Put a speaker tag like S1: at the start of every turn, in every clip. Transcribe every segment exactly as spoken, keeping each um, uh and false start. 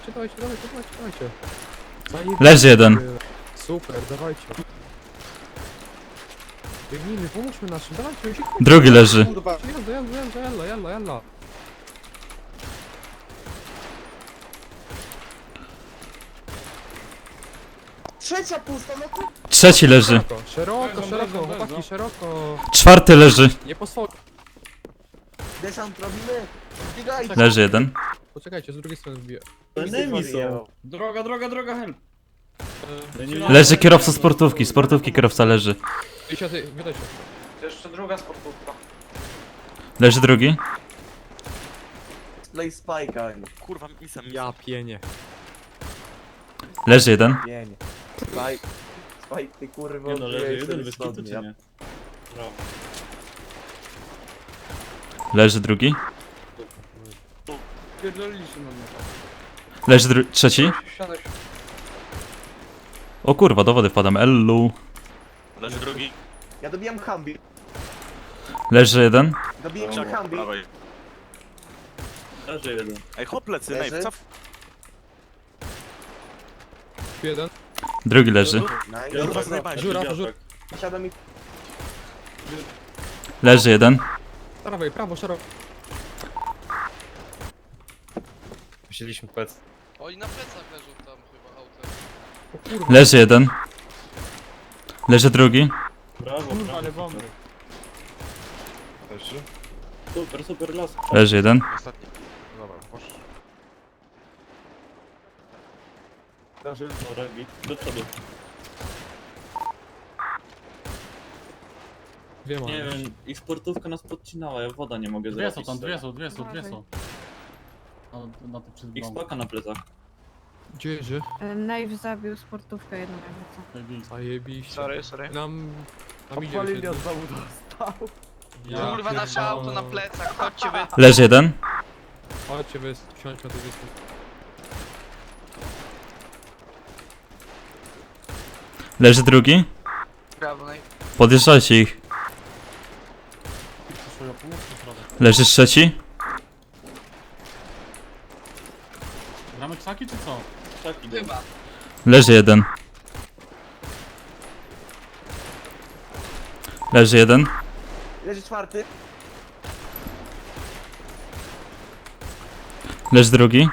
S1: dawajcie, dawajcie, dawajcie, dawajcie, dawajcie. Zajebiście.
S2: Leży jeden.
S1: Super, dawajcie. Biegnijmy, pomóżmy naszym, dawajcie, uciekajcie.
S2: Drugi leży.
S3: Kurwa.
S1: Jalla, jalla, jalla, jalla, jalla, jalla.
S3: Trzecia pusta, no kurwa.
S2: Trzeci leży.
S1: Szeroko, szeroko,
S4: Bezą,
S1: szeroko,
S4: bezą,
S1: chłopaki,
S4: bezą.
S1: szeroko.
S2: Czwarty leży.
S1: Nie pozwól.
S3: Desant robimy. Biegajcie.
S2: Leży jeden.
S1: Poczekajcie, z drugiej strony wbiję.
S5: Enemy są.
S4: Droga, droga, droga, help.
S2: Leży kierowca sportówki. Sportówki kierowca leży.
S1: Idźcie, ty, wydaj się.
S4: Jeszcze druga sportówka.
S2: Leży drugi.
S3: Play Spike'a.
S6: Kurwa, misem,
S1: Ja pienię.
S2: Leży jeden.
S3: Nie, nie. Spike. Spike, ty kurwa.
S5: Nie no, leży
S3: odbijaj
S5: jeden
S3: sobie
S5: bez
S3: stąd,
S5: kitu, czy
S3: ja-
S5: nie? Brawo.
S2: Leży drugi.
S4: Pierdoliliśmy na mnie.
S2: Leży dru trzeci.
S4: Siadaj.
S2: O kurwa, do wody wpadam. Ellu.
S6: leży drugi.
S3: Ja dobijam Humbi.
S2: Leży jeden.
S3: Dobijam
S6: Czekaj,
S3: Humbi.
S6: dawaj.
S5: Leży jeden.
S6: Ej, hop plecy,
S3: Leży?
S6: nej, cof.
S1: Jeden.
S2: Drugi leży.
S3: Nice.
S6: Kurwa, zajebałeś.
S1: Żura, żura.
S3: Siada mi.
S2: Leży jeden.
S1: Prawej, prawo, szeroko.
S7: Wzięliśmy pec.
S8: Oni na plecach leżą tam chyba autem.
S1: O kurwa.
S2: Leży jeden. Leży drugi.
S5: Brawo,
S4: Kurwa,
S5: brawo.
S4: ale bomby.
S7: Leży.
S5: Super, super las.
S2: Leży jeden.
S6: Ostatni. Dobra, posz.
S5: Leży. Dobra, git. Do przodu.
S1: Dwie mamy.
S5: Nie wiem, ich sportówka nas podcinała, ja woda nie mogę
S4: Dwie
S5: zrobić.
S4: są tam,
S5: z tego.
S4: dwie są, dwie są, dwie są. Na, na tym przed
S5: Ich
S4: bramą.
S5: spaka na plecach.
S1: Gdzie jedzie?
S9: Nave zabił sportówkę jedną jakby co.
S1: Zajebiście.
S8: Sorry, sorry.
S1: Nam... Nam idzie
S3: Palili
S1: już
S3: od
S1: jeden.
S3: domu dostał.
S1: Ja
S8: Kurwa, nasze
S1: pierdolę.
S8: auto na plecach, chodźcie wy.
S2: Leży jeden.
S1: Chodźcie, wy, wsiądźmy na tej wyspy.
S2: Leży drugi.
S8: Brawo, no i
S2: Podjeżdżajcie ich.
S4: Przyszło, pomóż w środek.
S2: Leży trzeci.
S4: Gramy krzaki czy co?
S5: Tak, idę.
S8: chyba.
S2: Leży jeden. Leży jeden.
S3: Leży czwarty.
S2: Leży drugi.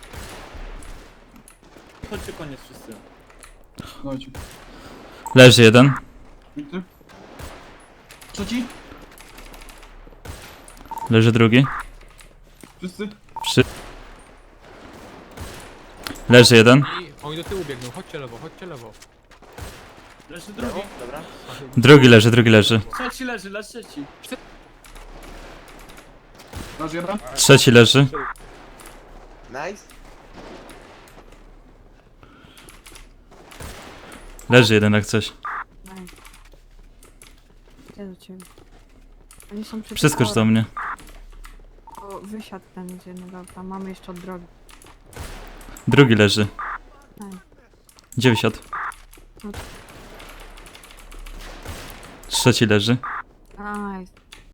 S5: Chodźcie koniec wszyscy.
S4: Chodź.
S2: Leży jeden.
S4: Trzeci?
S2: Leży drugi.
S4: Wszyscy?
S2: Przy... Leży jeden.
S1: I oni do tyłu biegną, chodźcie lewo, chodźcie lewo.
S5: Leży drugi.
S3: Dobra.
S2: Drugi leży, drugi leży.
S4: Trzeci leży, leży trzeci. Masz jeden?
S2: Trzeci leży.
S3: Nice.
S2: Leży jeden jak coś.
S9: Nice. Idę do ciebie. Oni są przy
S2: Przeskocz do mnie.
S9: O, wysiadł ten z jednego auta. Mamy jeszcze od drogi.
S2: Drugi leży.
S9: Nice.
S2: Gdzie wysiadł? Trzeci leży.
S9: Nice.